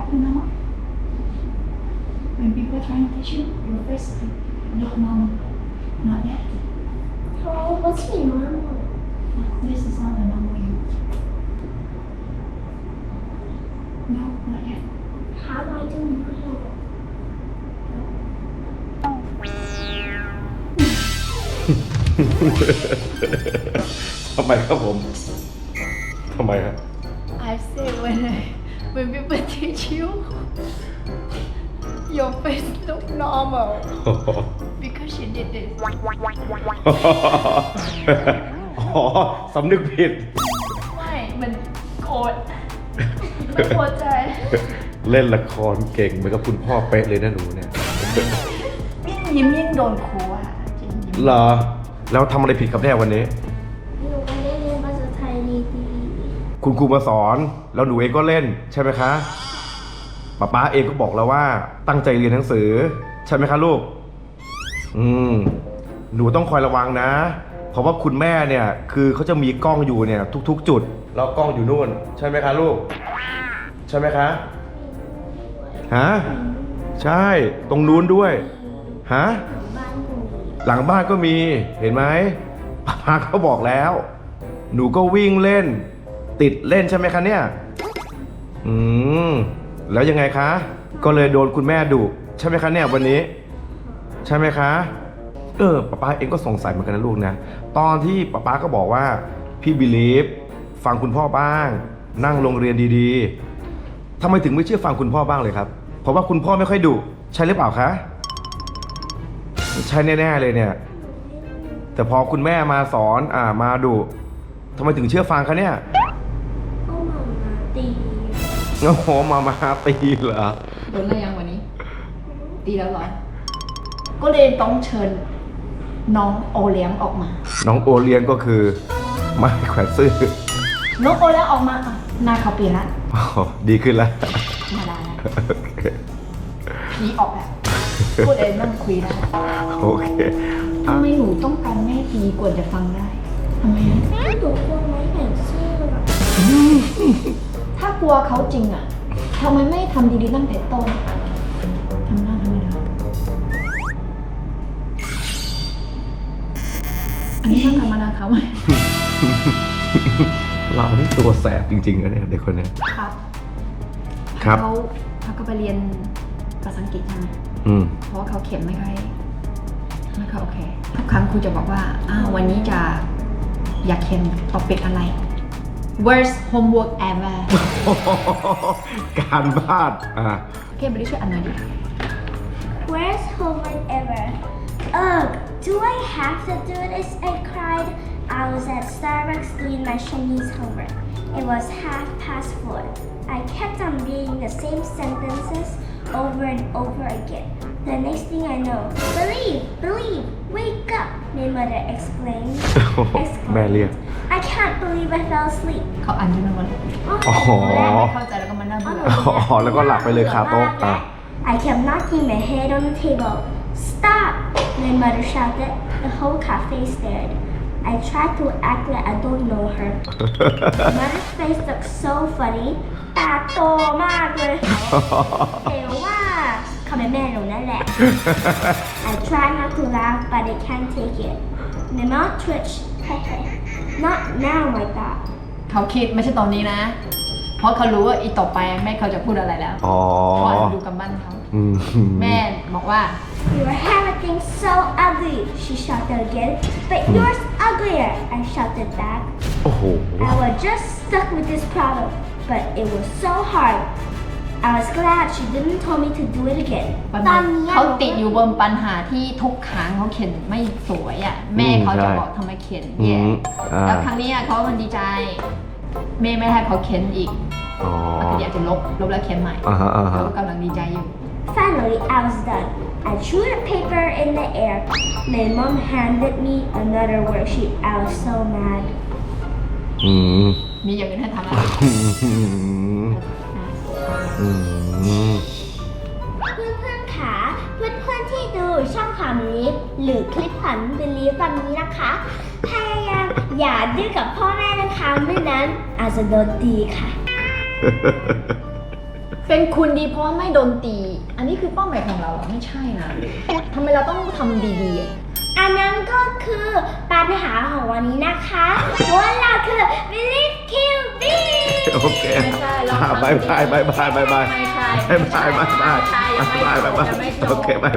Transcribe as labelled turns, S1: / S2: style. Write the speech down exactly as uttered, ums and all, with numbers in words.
S1: you know when people trying to teach you your first look normal not yet
S2: Oh, what's my normal?
S1: this is not a normal you no not yet
S2: How do I do normal?
S3: ทำไมครับผมทำไมครับ
S1: I say when I, when people teach you your face look normal because you did this
S3: อ๋อสำนึกผิด
S1: ไม่มันโกรธไม่พอใจ
S3: เล่นละครเก่งเหมือนกับคุณพ่อเป๊ะเลยนะหนูเนี่ย
S1: ยิ่งยิ้มยิ่งโดนครูอ่ะจริงยิ้ม
S3: เหรอแล้วทำอะไรผิดครับเนี่ยวันนี้
S2: หนูไม่ได้เรียนภาษาไทยดี
S3: คุณครูมาสอนแล้วหนูเองก็เล่นใช่ไหมคะป๊าป๊าเองก็บอกแล้วว่าตั้งใจเรียนหนังสือใช่ไหมคะลูกอืมหนูต้องคอยระวังนะเพราะว่าคุณแม่เนี่ยคือเขาจะมีกล้องอยู่เนี่ยทุกๆจุดแล้วกล้องอยู่นู่นใช่ไหมคะลูกใช่ไหมคะฮะใช่ตรงนู้นด้วยฮะ
S2: ๆบ้านหนู
S3: หลังบ้านก็มีเห็นไหมป๊าป๊าเขาบอกแล้ว หนูก็วิ่งเล่น ติดเล่นใช่ไหมคะเนี่ยอืมแล้วยังไงคะ ก็เลยโดนคุณแม่ดุใช่ไหมคะเนี่ยวันนี้ ใช่ไหมคะ เออป๊าป๊าเองก็สงสัยเหมือนกันนะลูกนะตอนที่ป๊าป๊าก็บอกว่าพี่บิลีฟฟังคุณพ่อบ้าง นั่งโรงเรียนดีๆทำไมถึงไม่เชื่อฟังคุณพ่อบ้างเลยครับ เพราะว่าคุณพ่อไม่ค่อยดุใช่หรือเปล่าคะใช่แน่ๆเลยเนี่ย แต่พอคุณแม่มาสอนอ่ามาดุทำไมถึงเชื่อฟังคะเนี่ย
S2: ก็หมามาตี
S3: โอ้โหมามาตีเหรอ
S1: โดนอะไรยังวันนี้ ตีแล้วเหรอ ก็เลยต้องเชิญน้องโอเลี้ยงออกมา
S3: น้องโอเลี้ยงก็คือไม่แขวนซื่อ
S1: น้องโอเลี้ยงออกมาอ่ะหน้าเขาเปลี่ยนละ
S3: อ๋อดีขึ้นแล้ว
S1: มาได้แล้วผีออกแล้วพูดเองนั่งคุยได้
S3: โอเค
S1: ทำไมหนูต้องการแม่ตีกว่าจะฟังได้ทำไมอะ
S2: แม่หนูกลัวไม่เห็นชื่อ
S1: ถ้ากลัวเขาจริงอ่ะทำไมไม่ทำดีๆตั้งแต่ต้นทำหน้าทำไมล่ะอันนี้ต้องทำมานาเขาไหม
S3: เรานี่ตัวแสบจริงๆนะเนี่ยเด็กคนนี้
S1: ครับ
S3: ครับ
S1: เขาเขาก็ไปเรียนภาษาอังกฤษใช่ไหม
S3: อืม
S1: เพราะว่าเขาเขียนไม่ค่อยไม่ค่อยโอเคทุกครั้งครูจะบอกว่าอ้าววันนี้จะอยากเขียนท็อปิกอะไร worst homework ever
S3: การบ้านอ่า
S1: โอเคไปดิช่วยอ่านหน่อยดิ
S2: Where's homework ever? Ugh, do I have to do this? I cried. I was at Starbucks doing my Chinese homework. It was half past four. I kept on reading the same sentences over and over again. The next thing I know, believe, believe, wake up, my mother exclaimed.
S3: แม่เรียก
S2: I can't believe I fell asleep.
S1: เขาอ่านจนวัน
S3: อ๋อ
S1: แรกไม่เข้าใจแล้วก็มานั่งดู
S3: อ๋อแล้วก็หลับไปเลยคาโต๊ะอ่ะ
S2: I kept knocking my head on the table. Stop! My mother shouted. The whole cafe stared. I tried to act like I don't know her. Mother's face looked so funny. ตาโตมากเลยแต่ว่าเขาเป็นแม่หนูนั่นแหละ I tried not to laugh, but I can't take it. My mouth twitched. Not now, I thought.
S1: เขาคิดไม่ใช่ตอนนี้นะ เพราะเขารู้ว่าอีต่อไปแม่เขาจะพูดอะไรแล้ว
S3: อ๋อ
S1: เพราะดูกำปั้นเขา
S3: อืม
S1: แม่บอกว่า
S2: Your handwriting's so ugly, she shouted again. But yours uglier, I shouted back.
S3: โอ้โห
S2: I was just stuck with this problem, but it was so hard. I was glad she didn't tell me to do it again.
S1: ปัญหาเขาติดอยู่บนปัญหาที่ทุกครั้งเขาเขียนไม่สวยอ่ะแม่เขาจะบอกทำไมเขียนแย่
S3: อืมอ่า
S1: แล้วครั้งนี้เขามันดีใจแม่ไม่ให้เขาเขียนอีก
S3: อ๋อ
S1: ก็อยากจะลบลบแล้วเขียนใหม่
S3: อ่าฮะอ่าฮะ
S1: เขากำลังดีใจอยู่
S2: Finally, I was done. I threw the paper in the air. My mom handed me another worksheet. I was so mad.
S3: อืม
S1: มีอย่างอื่นให้ทำอะไร
S3: อืมอืม
S2: เพื่อนๆค่ะเพื่อนๆที่ดูช่องขวัญลิฟหรือคลิปขวัญเป็นลิฟวันนี้นะคะพยายามอย่าดื้อกับพ่อแม่นะคะไม่นั้นอาจจะโดนตีค่ะ
S1: เป็นคุณดีเพราะไม่โดนตี อันนี้คือเป้าหมายของเราเหรอไม่ใช่นะทำไมเราต้องทำดีๆอะ
S2: อันนั้นก็คือปัญหาของวันนี้นะคะว่าเราคือ Believe Kill B
S3: โอเค
S1: ไม่ใช่เรา
S3: อ่ะ
S1: ทำ
S3: บายบายบายบายบายบาย
S1: ไม่ใช่
S3: บายบายบายบาย
S1: ไม่ใช่ยังไม่
S3: บาย
S1: จ
S3: บาย
S1: บ
S3: บาย
S1: ยังไม่จบ
S3: โอเคบาย